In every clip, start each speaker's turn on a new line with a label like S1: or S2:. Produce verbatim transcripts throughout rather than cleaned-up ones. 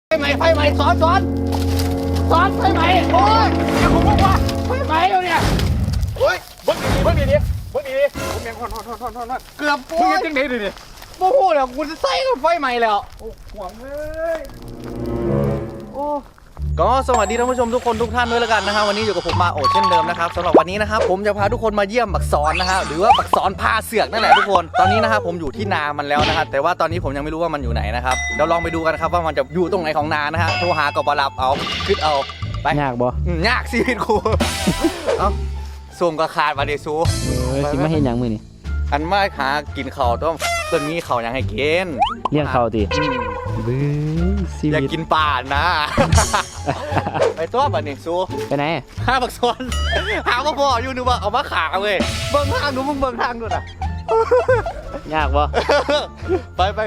S1: ไฟไหม้ไฟไหม้สอนสอนสอนไฟไหม้โอ้ยอย่าผมบอกว่าไฟไหม้แล้วเนี่ยโอ้ยเบิ้งดีเบิ้งดีดิเบิ้งดีดิผมยังทอนทอนทอนทอนทอนทอนเกือบมึงยังจังไหนดิดิโมโหแล้วกูจะใส่กับไฟไหม้แล้วโอ้หวังเลยโอ้ก็สวัสดีท่านผู้ชมทุกคนทุกท่านด้วยแล้วกันนะครับวันนี้อยู่กับผมมาโอเช่นเดิมนะครับสำหรับวันนี้นะครับผมจะพาทุกคนมาเยี่ยมบักซอนนะครับหรือว่าบักซอนพาเสือกนั่นแหละทุกคนตอนนี้นะครับผมอยู่ที่นามันแล้วนะครับแต่ว่าตอนนี้ผมยังไม่รู้ว่ามันอยู่ไหนนะครับเดี๋ยวลองไปดูกันครับว่ามันจะอยู่ตรงไหนของนานะฮะโทรหากับบรับเอาคิดเอาไป
S2: ยากบ่
S1: ยากชีวิตกูเอ้าส่งกระขาดมาเดซู
S2: เออสิมาเห็นหยังมื้อนี่
S1: อันมาหากินข้าวต้องต้นมีข้าวยังให้กิน
S2: เลี้ยงข้าวติบื้อชีวิต
S1: อยากกินป่านะไปตัวบัดนี้ซู
S2: ไปไหน
S1: หาบักซอนหาบ่พออยู่นึกว่าเอามาขาเว้ยเบิ่งทางดูมึงเบิ่งทางดูน่ะ
S2: ยากบ่
S1: ไปไป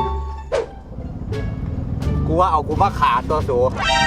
S1: กูว่าเอากูมาขาตัวสู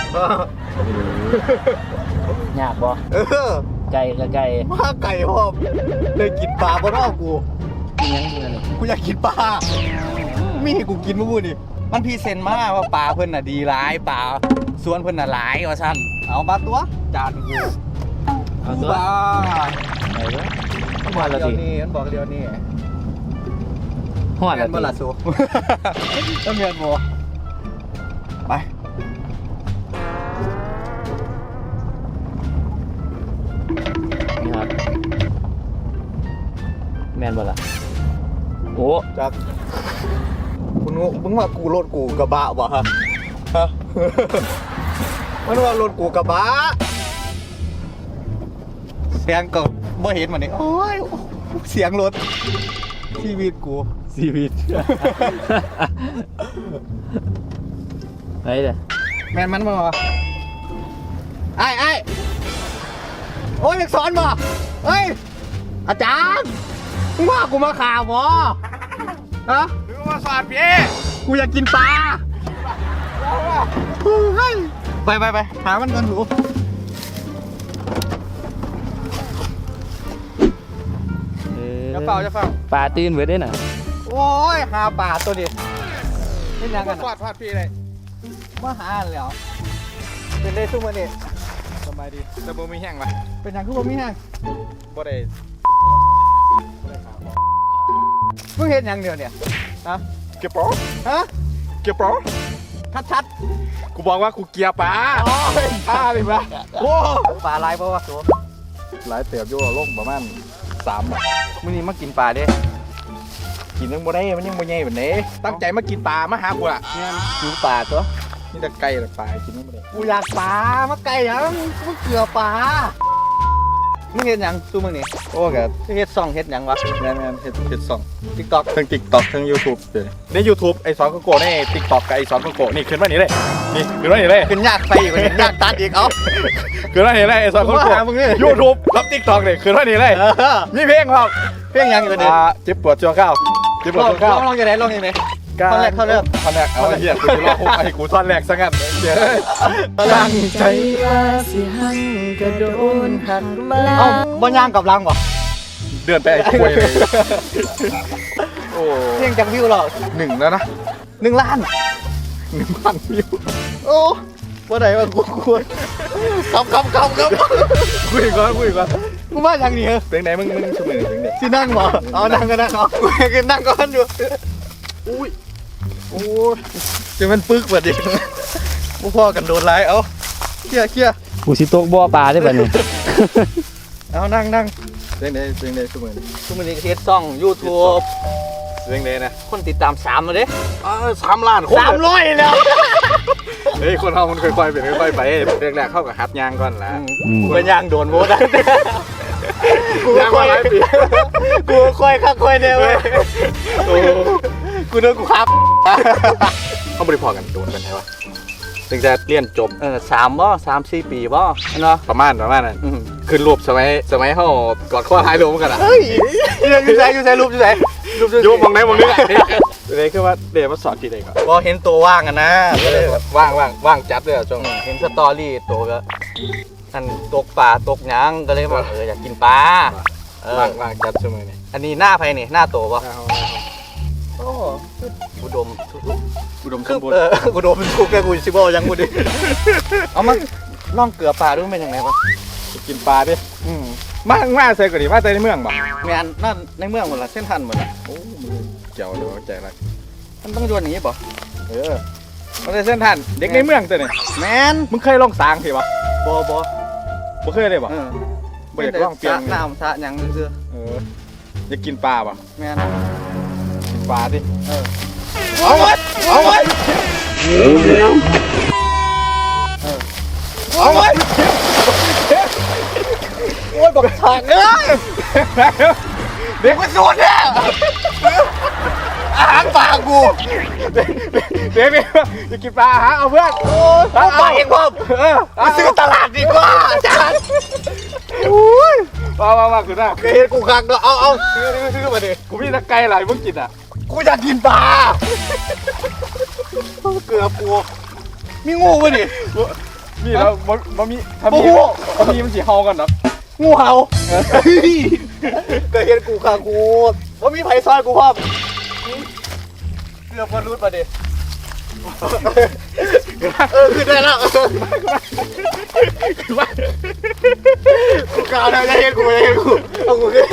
S2: ยากบ่ไก่ก็ไก่
S1: มาไก่พ่อเลยกินปลาบ่รอบกู
S2: กินยังกินอะไร
S1: กูอยากกินปลามีกูกินมื้อนี่มันพรีเซนต์มาว่าปลาเพิ่นน่ะดีหลายปลาสวนเพิ่นน่ะหลายว่าซั่นเอามาตัวจานกู
S2: เอาตัวไอ้เด้อ
S1: มันบอกเดี๋ยวนี้มันบอกเดี๋ยวนี้
S2: ฮอดแล้ว
S1: บ่ล่ะสูต้องเรียนบ่ไป
S2: นี่ครับแม่นบ่ล่ะโอ้
S1: จักคุณมึงว่ากูรถกูกระบะบ่ฮะฮะมันว่ารถกูกระบะเสียงก็บ่เห็นมันนี่โอ้ยเสียงรถชีวิตกู
S2: ชีวิตไอ้เด้อ
S1: แม่นมันบ่ไอ้ไอ้โอ้ยอยากสอนบ่เฮ้ยอาจารย์มึงว่ากูมาข่าวบ่ฮะหรือว่าสอนพี่กูอยากกินปลาไปไปไปหามันกันหนูจะเฝ้าจะเฝ้า
S2: ปลาตื่นเบิดได้น่ะ
S1: โอ้ยหาปลาตัวนี้นี่ยังกัน
S3: ฟาดฟาดพี่เลย
S1: มาหาแล้วเป็นได้ซุ่มวันนี้
S3: สบายดีแต่บ่มีแห้งว่ะ
S1: เป็นยังคือบ่มีแห้ง
S3: บ่ได้
S1: มึงเห็นยังเดียวเนี่ยนะ
S3: เก็บปอ
S1: ฮะ
S3: เก็บปอ
S1: ชัดชัด
S3: กูบอกว่ากูเกียร์ปลาปลาดิปะ
S1: โอ้ปลาลายเพราะว่าตัว
S3: หลายเตียบอยู่ลงประมาณสามอ่ะ
S1: มึงนี่มากินปลาดิ
S3: กินยังบ่ได้มันยังบ่ใหญ่แบบนี้ตั้งใจมากินปลามาหากูอ่ะ
S1: เนี่ยกินปลาตัว
S3: นี่แต่ไก่แต่ปลากินยังบ่ได้
S1: กูอยากปลามาไก่ยังมึงเกลือปลามึงเห็นยังซูมึงนี่
S3: โอ้กับ
S1: เฮ็ดซ่องเฮ็ดยังวะ
S3: แม่นๆเฮ็ดเฮ็ดสอง
S1: TikTok
S3: ทั้ง TikTok ทั้ง YouTube เด้ใน YouTube ไอ้สอนโกโก้ใน TikTok กับไอ้สอนโกโก้นี่ขึ้นมานี่เลยนี่ขึ้นมานี่เลย
S1: ขึ้นยากไปอีกยากตัดอีกเอ้า
S3: ขึ้นมานี่เลยไอ้สอนโกโก้ YouTube กับ TikTok นี่ขึ้นมานี่เลยมีเพลงครับ
S1: เพลงยังอยู่เด้อ
S3: เจ็บปวดชั่วข้าวเจ็บปวดชั่วข้าว
S1: ลองยังไงลองยังไงท่อนแรกท่อนแรก
S3: ท่อนแรกเอาเหี้ยกูจะรอคุกไอ้กูท่อนแรกซะงั้นเดี๋ยว
S1: ตั้งใจว่าสิหันกระโดนหักมาเอ้าบ่ย่างกับลังบ่
S3: เดือนไปไอ้คุยเลยโอ้
S1: เพลงจากวิวหรอ
S3: หนึ่งแล้วนะ
S1: หนึ่งล้าน
S3: หนึ่งพันวิว
S1: โอ้ว่าไหนวะกูกูครับครับครับครับ
S3: คุยก่อนคุยก่อน
S1: กูมาอย่างนี้เหรอ
S3: เพลงไหนมึงมึงชุบหนึ่งเพลงไหน
S1: ที่นั่งบ่เอานั่งก็นั่งเอากูก็นั่งก็นั่งอยู่
S3: อุ้ย
S1: โอ้ยจะมันปึกแบบนี้พวกพ่อกันโดนไล่เอาเขี้ยเขี้ย
S2: กูสิตกบ่อปลาได้ป่ะนี่
S1: เอานั่งนั่ง
S3: เพลงไหนเพลงไหนชุบหนึ่ง
S1: ชุบหนึ่งเฮ็ดซ่องยูทูบ
S3: เพลงไหนนะ
S1: คนติดตามสามเลยเด้
S3: อ๋อสามล้านคน
S1: สามร้อยแล้ว
S3: เฮ้ยคนเรามันค่อยๆเป็นค่อยๆไปแรกๆเข้ากับฮัดยางก่อนละ
S1: เป็นยางโดนโมได้
S3: กูค่อย
S1: กูค่อยค่อยเนี่ยเว้ยกูเดินกูครับ
S3: เขาบริพอกันโดนกันใช่ปะถึงจะเรียนจบ
S1: เออสามบ่สามสี่ปีบ่เนาะ
S3: ประมาณประมาณนั้นขึ้นรูปสมัยสมัยเขากอดข้อท้ายรูปกันอ่ะ
S1: เฮ้ยอยู่ไหนอยู่ไหนรูปอยู่ไหน
S3: รูปอยู่มองไหนมองนี่เลยคือว่าเดี๋ยวมาสอนทีเด็กก่อน
S1: พอเห็นตัวว่างกันนะ
S3: ก็เลยแบบว่างว่างว่างจัดเลยช่วง
S1: เห็นสตอรี่ตัวก็อันตกปลาตกหยังก็เลยบอกเอออยากกินปลา
S3: ว่างว่างจัดช่วงนี้
S1: อันนี้หน้าใครนี่หน้าโตป่ะโอ้อุดม
S3: อุดมส
S1: คือ
S3: มบูรณ์
S1: เออกูโดนมันทุกแกกูสิบ่ยังกูดิเอามาล่องเกลือปลาดูมันเป็นยังไงวะ
S3: กินปลาดิ
S1: อืม
S3: มามาใส่กว่าดิมาใส่ในเมืองบ่
S1: แมนนั่นในเมืองหมดละเส้นทันหมดละ
S3: โอ้มึงเกี่ยวเดี๋ยวใจอะไร
S1: มันต้องโยนอย่างนี้ป่ะ
S3: เออมาใส่เส้นทันเด็กในเมืองตัวนี้
S1: แมน
S3: มึงเคยลองสางสิบ่
S1: บอบอ
S3: บ่เคยเลยบ่
S1: เออ
S3: บ่อยากลองเปลี่ยน
S1: สระน้ำสระหยังซื่อ
S3: เอออยากกินปลาบ่
S1: ๆแมน
S3: กินปลาดิ
S1: เออ
S3: เอาไว้เอาไว้เอาไว้
S1: โอ้ยบอกฉากเอ้ย
S3: เด็กมันโดนเนี่ยอาหารปลากูเด็กเด็กอยากกินปลาหาเอาเพื่อน
S1: เอาไปเองพ่อ
S3: เออ
S1: ไปซื้อตลาดดีกว่าอาจารย์
S3: มามามาคือหน้า
S1: เคยเห็นกูคักเนาะเอาเอาซื้อซื้อซื้อมาดิ
S3: กูมีตะไคร้หลายมึงกินอ่ะ
S1: กูอยากกินปลาเกลือปูมีงูป่ะนี่
S3: มีแล้วมันมันมีถ้ามี
S1: โอ้โห
S3: ถ้ามีมันสีเฮากันเนาะ
S1: งูเห่าเคยเห็นกูคักกูว่ามีไผ่ซอยกูพ่อเกลือพอรูดมาดิเออคือได้แล้ว
S3: คือว่า
S1: กูกล่าวแล้วจะเห็นกูจะเห็นกูเอากูขึ้น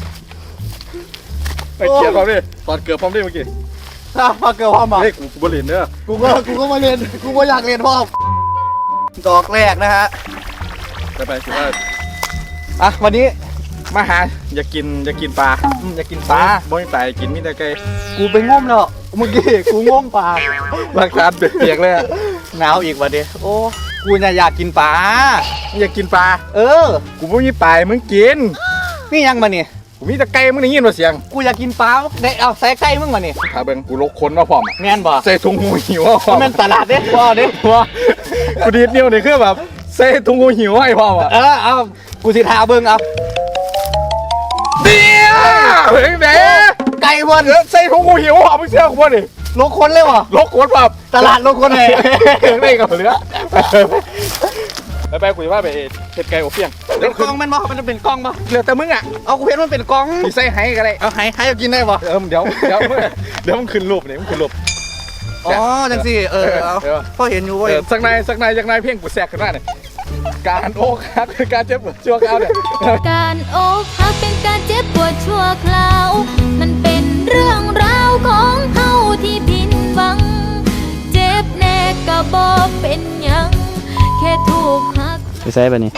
S3: ไปเกียร์พร้อมดิตอนเกือบพร้อมดิเมื่อกี้
S1: ถ้ามาเกลือพ่อมา
S3: เฮ้ยกูกูบริเวณเด้อ
S1: กูก็กูก็มาเรียนกูก็อยากเรียนพ่อดอกแรกนะฮะ
S3: ไปไปคือว่า
S1: อ่ะวันนี้
S3: มาหาอยากกินอยากกินปลา
S1: อืมอยากกินปลา
S3: บ่มีปลาให้กินมีแต่ไก่
S1: กูไปง้มแล้วเมื่อกี้กูง้มปลา
S3: ร่างกายเปียกๆเลยอะ
S1: หนาวอีกวันนี้โอ้กูน่ะอยากกินปลา
S3: อยากกินปลา
S1: เออ
S3: กูบ่มีปลาให้มึงกิน
S1: นี่ยังมาเนี่ย
S3: กูมีแต่ไก่มึงได้ยินว่าเสียง
S1: กูอยากกินปลาได้เอาใส่ไก่มึงมาเนี่ย
S3: ถ้าเบิ่งกูลกคนมาพร้อมอะ
S1: แม่นบ่
S3: ใส่ถุงหูหิวมาพร้อม
S1: มันตลาดเด้พ่อเด้
S3: ว่ากูดีดนิ้วนี่คือแบบใส่ถุงหูหิวให้พร้อมอ่ะ
S1: เออเอากูสิทาเบิ่งเอา
S3: เดี๋ยวเฮ้ยแหม
S1: ไก่เพิ่น
S3: เดี๋ยวใส่ถุงหูหิวพร้อมมึงเชื่อกูบ่ดิ
S1: ลงคนเลยวะ
S3: ลกคนแบบ
S1: ตลาดลงคนไหน
S3: ได้กับเหลือไปไปกูจะว่าไปเฮ็ดไก่อบเปียง
S1: เป็นกล้องแมันบ่มันจะเป็นกล้องบ่
S3: เหลือแต่มึงอ่ะ
S1: เอากูเห็นมันเป็นกล้อง
S3: มีใส่ให้ก็ได้
S1: เอาให้ให้เอากินได้บ่
S3: เออเดี๋ยวเดี๋ยวเดี๋ยวมึงขึ้นรูปนี่มึงขึ้นรูป
S1: อ๋อจังสิเออเอา
S3: เออ
S1: พ่อเห็นอยู่
S3: เอ
S1: เว้ย
S3: อสักนายสักนายสักนายเพียงกูแสกขึ้นมาเนี่ยการโอ้ครับคือการเจ็บปวดชั่วคราวเนี่ย
S4: การอกหักเป็นการเจ็บปวดชั่วคราว มันเป็นเรื่องราวของเฮาที่ผิดหวัง เจ็บแน่ก็บ่เป็นหยัง แค่ถูกหัก
S2: ไปใส่ป่ะนี่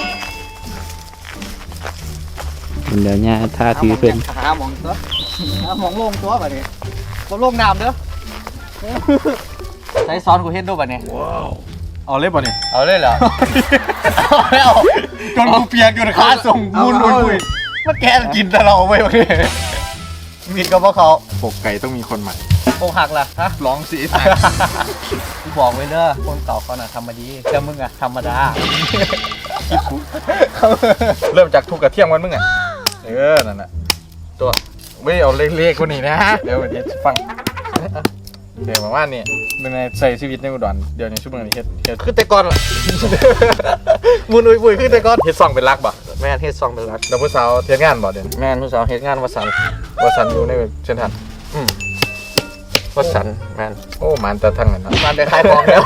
S2: เดี๋ยวเนี่ยท่าถือเพิ่น
S1: หาหมองตัวหาหมองลงตัวแบบนี้บ่ลงน้ำเด้อใช้ซ้อนกูเห็นดูแบบนี้
S3: เอาเล็บป่ะเนี่ย
S1: เอาเลยเหรอเอาไม่เอา
S3: จนกูเปียกจนขาส่ง
S1: เอา
S3: มุน
S1: เอา
S3: มุนมุน
S1: มันแกกินแต่เราเว้ยวันนี้มีดกับพวกเขา
S3: ปกไก่ต้องมีคนใหม่
S1: อกหักล่ะฮะ
S3: ร้องสี
S1: กูบอกไว้เด้อคนเก่าเขาน่ะทำมาดีแต่มึงอะธรรมดา
S3: เริ่มจากทุกกระเทียมกันมึงอ่ะเออนั่นน่ะตัวไม่เอาเล็กๆกว่านี้นะเดี๋ยวเดี๋ยวฟังเดี๋ยวมาว่านี่ในใส่ชีวิตในอุดรเดี๋ยวนี้ชั่วโมงนี้เฮ็ดเฮ็ด
S1: ขึ้นแต่ก่อนล่ะ มุนอุยปุยขึ้นแต่ก่อน
S3: เฮ็ดซองเป็นรักบ่
S1: แม่นเฮ็ดซองเป็นรัก
S3: แล้วผู้สาวเฮ็ดงานบ่เดี๋ยวนี้
S1: แม่นผู้สาวเฮ็ดงานวสันต์
S3: ว่าสันอยู่ในเส้นทาง
S1: อืมวสันต์แม่น
S3: โอ้มันแต่ทั้งนั้นเนาะ
S1: มันได้ขายของแล้ว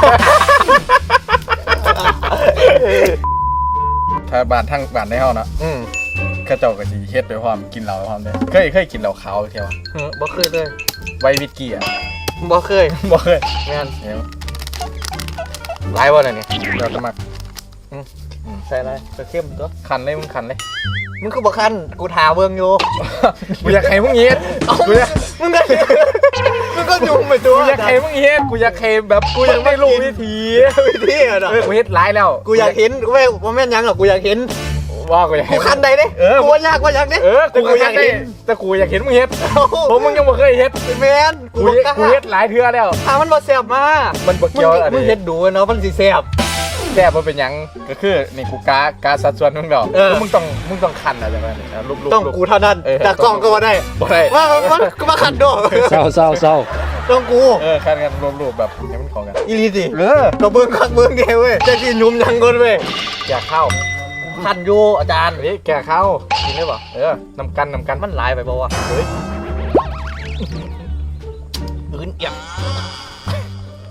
S3: ถ้าบ้านทั้งบ้านในเฮาเนาะ
S1: อืม
S3: เขาเจ้าก็สิเฮ็ดไปพร้อมกินเหล้าไปพร้อมเด้เคยเคยกินเหล้าขาวเที่ยว
S1: เออบ่เคยเลย
S3: ไววิสกี้อ่ะ
S1: บ่เคย
S3: บ่เคย
S1: แม่น
S3: เดี๋ยว
S1: หลายวันแล้วนี่
S3: เดี๋ยวจะมา
S1: ใส่อะไรก็เข้มตัว
S3: คันเลยมึงคันเลย
S1: มึงคือบ่คันกูถาเบิ่งอยู่
S3: กูอยากให้มึงเฮ็ดกูอยาก
S1: มึงก็มึงก็ยุ่งไปตัว
S3: กูอยากให้มึงเฮ็ดกูอยากให้แบบกูอยากได้รู้วิธี
S1: วิธีอ่ะเนาะ
S3: เออกูเฮ็ดหลายแล้ว
S1: กูอยากเห็นกูไม่บ่แม่นหยังหรอกกูอยากเห็น
S3: ว่ากูอยาก
S1: กู
S3: ให้
S1: คันใดเด้
S3: เออ
S1: กูว่ายากว่าอยากเด้
S3: เออกูก็อยากได้แต่กูอยากเห็นมึงเฮ็ดเพราะมึงยังบ่เคยเฮ็ด
S1: แม่นกู
S3: กู
S1: บ่
S3: เฮ็ด
S1: กล้า
S3: กูเฮ็ดหลายเทื่อแล้ว
S1: ถ้ามันบ่แซ่บมา
S3: มันบ่
S1: มึ
S3: เกี่ยวอะไร
S1: มึงเฮ็ดดูเนาะมันสิแซ่บ
S3: แซ่บบ่เป็นหยังก็คือนี่กูกากาสัดส่วนมึงดอก
S1: เออ
S3: มึงต้องมึงต้องคันอะไรแบบนี้รูปๆ
S1: ต้องกูเท่านั้น
S3: เออ
S1: แต่กล้องก็บ่ได้
S3: บ่ได้
S1: ว่ามันก็มาคันด้วย
S2: เศร้าเศร้าเศร้า
S1: ต้องกู
S3: เออคันกันรวมๆแบบให้มันเข้ากัน
S1: อีหลีสิ
S3: เออ
S1: ก็เบิ่งคักเบิ่งเดียวเว้ยจะสิหนุ่มยังก่อนเว้ย
S3: อยากเข้า
S1: คันอยู่อาจารย์
S3: เฮ้ยแกเข้า
S1: กินได้บ่
S3: เออนำกันนำกัน
S1: มันหลายไปบ่วะ
S3: เฮ้ย
S1: อื่นเอียบ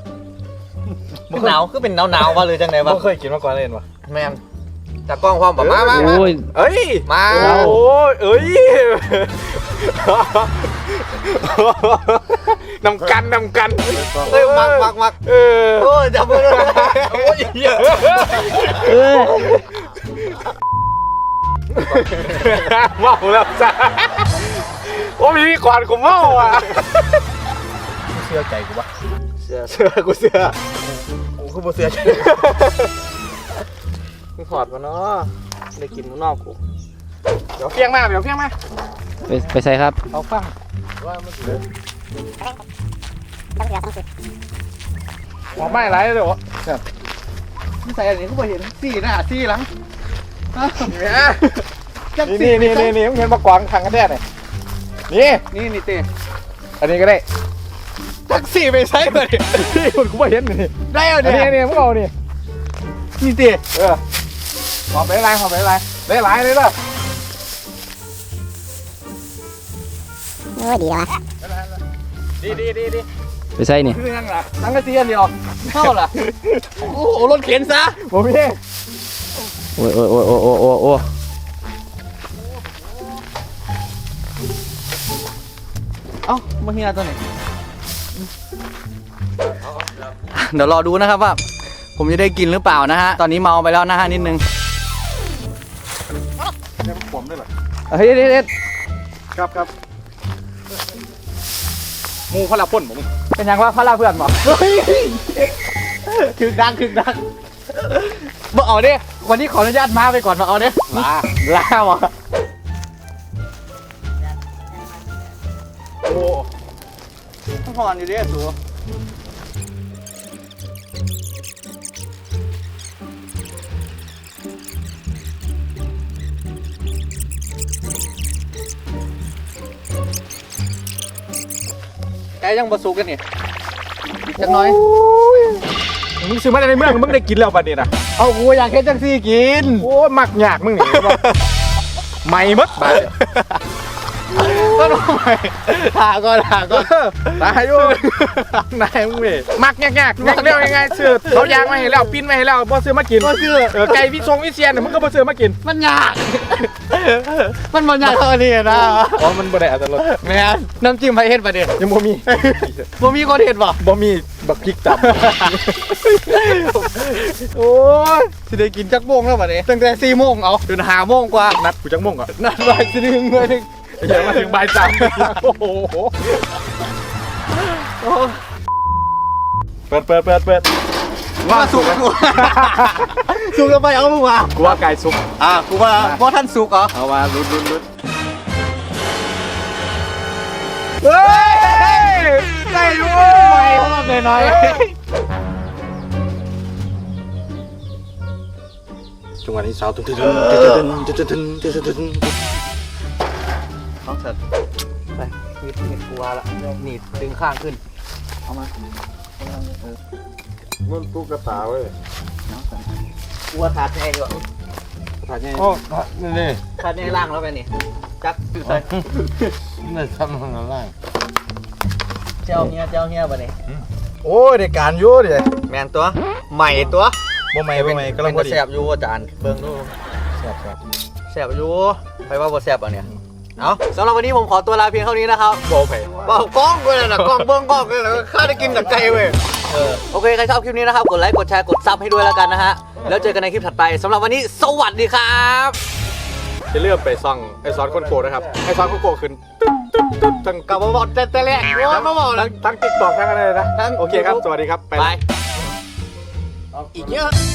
S2: หนาวคือเป็นหนาวหนาววะหรือจังไดวะ
S3: บ่เคยกินมาก่อนเลยเห็นปะ
S2: แมนจากกล้องความแบบมามามา
S5: โอ้ย
S3: เอ้ย
S2: มา
S3: โอ้ยเอ้ยนำกันนำกัน
S2: เอ้ยมักมักมัก
S3: เออ
S2: โอ้ยจับมือเลยโอ้ยเหี้ย
S5: เออ
S3: เมาแล้วจ้าโอ้มีก่อนกูเมาอ่ะเสื้อใจกูปะ
S2: เสือ
S3: เสื้อกูเสื้อ
S2: กูคือบ่เสือมึงถอดมาเนาะได้กินมึงนอกกู
S3: เดี๋ยวเพียงมาเดี๋ยวเพียงมา
S5: ไปไปใส่ครับ
S3: เอาฟังว่ามันเหลือหัวไม่ไรเลยวะ
S1: นี่ใส่อันนี้ก็บ่เห็นสี่หน้าสี่หลัง
S3: นี่นี่นี่นี่มึงเห็นมากวางทางกันแน่เนี่ยนี่
S1: นี่นี่เต้
S3: อันนี้ก็ได้แท็กซี่ไปใช้เลยที่คุณกูไม่เห็นนี่
S1: ได้เอา
S3: อัน
S1: เนี่
S3: นี้
S1: ย
S3: นี่มึงเอานี่
S1: นี่เต้
S3: เออขอบไปไรขอบไปไรได้หลายเลยล่ะ
S6: โอ้ยดีแล้ววะ
S3: ดีดีดีดี
S5: ไปใส่นี่
S3: คือยังไงทั้งกระเทียมเดียว
S1: เข้าล่ะโอ้โหรถเข็นซะ
S3: ผมพี่
S5: โอ้ยโอ้ยโอ้ยโอ้ยโอ้ยโอ้ยโอ้ย
S1: เอ้ามาเฮียตัวไหนเดี๋ยวรอดูนะครับว่า ผมจะได้กินหรือเปล่านะฮะตอนนี้เมาไปแล้วนะฮะนิดนึง
S3: ผมด้วยเหรอ
S1: เฮ้ยเด็ดเด็ด
S3: ครับครับมูพลาพ่นผม
S1: เป็นยังว่าพระลาเพื่อนบอกคือดังคือดังบอกเอาดิวันนี้ขออนุญาตมาไปก่อนมาเอาดิ
S3: ลา
S1: ลาวะ
S3: โอ้
S1: ต้องพอนอยู่ดิสูแกยังบะสุกกันนี่จังน้อย
S3: มึงซื้อมาในเมืองมึงได้กินแล้วบัดนี้นะ
S1: เอากูอยากเฮ็ดจังซี่กิน
S3: โอ้มักยากมึงนี่ไม่มดบาด
S1: ก็ทำไมถาก่อนถาก่อน
S3: ตายอยู่นายมึงเว้ยมักยากยากยากเร็วยังไงซื้อเขายางมาให้แล้วปิ้นมาให้แล้วบ่ซื้อมากิน
S1: ก็คือ
S3: เออไก่วิทรงวิเชียนมึงก็บ่ซื้อมากิน
S1: มันยาก มันมันยากเท่านี้นะ
S3: อ๋อมันบ่ได้อัตลด
S1: แม่นน้ำจิ้มไผเฮ็ดประเดี๋ยว
S3: ยังบ่มี
S1: บ่มีคนเฮ็ดบ่
S3: บ่มีบักพริกตับ
S1: โอ้ยสิได้กินจักโมงแล้วบัดนี้ตั้งแต่สี่โมงเอาจนห้าโมงกว่า
S3: นัดกูจังม่งก่อน
S1: นัดไว้สิหนึ่งเลยหนึ่ง
S3: เดี๋ยวมาถึงบ่ายสามโอ้โหเปิดเปิดเปิดเปิด
S1: ว่าสุกกูสุกแล้วไปเอามึงมา
S3: กูว่าไก่สุก
S1: อ่ะกูว่าบ่ท่านสุกเหรอ
S3: เอาว่าลุ้นลุ้นลุ้นเฮ้ยได้อยู่
S1: ไปรอบหน่อย
S3: จังหวะนี้สาวตึ้งตึ้งตึ้งตึ้งตึ้งตึ้งตึ้งตึ้งตึ้งตึ้ง
S1: ๆเอาเสร็จไปมีดมีดกูว่าละหนีบดึงข้างขึ้นเอามา
S3: มันตุ๊กตาเว้ย
S1: กูว่าถาดแน่อยู่
S3: ถ่ายไงโอ้นี่นี่
S1: ถาดแน่ล่างแล้วไปนี่จักอยู่ใส่
S3: นี่ทำทางล่าง
S1: เจ้าเฮียเจ้าเฮียบ่นี่
S3: โอ้ยในการยุ่ดิ
S2: แมนตัวใหม่ตัว
S3: บ่ไม่บ่ไม่กำลังพอดี
S2: แสบอยู่อาจารย์เบิ่งดู
S3: แซ่บแซ่บ
S2: แสบอยู่ไปว่าบ่แสบอ่ะเนี่ยเอาสำหรับวันนี้ผมขอตัวลาเพียงเท่านี้นะครับ
S3: บ่ไป
S2: เปล่ากล้องเลยนะกล้องเบิ้งกล้องเลยนะข้าได้กินจากใจเว้ยเออโอเคใครชอบคลิปนี้นะครับกดไลค์กดแชร์กดซับให้ด้วยแล้วกันนะฮะแล้วเจอกันในคลิปถัดไปสำหรับวันนี้สวัสดีครับ
S3: จะเลื่อนไปซ่องไอซอนคนโกนะครับไอซอนคนโกขึ้นทั้ง
S2: กลับมาบอกแต่แต่แรกว่ามาบอก
S3: ทั้งทั้งติ๊กต็อกทั้งอะไรนะ
S2: ทั้ง
S3: โอเคครับ สวัสดีครับ
S2: ไปอีกเยอะ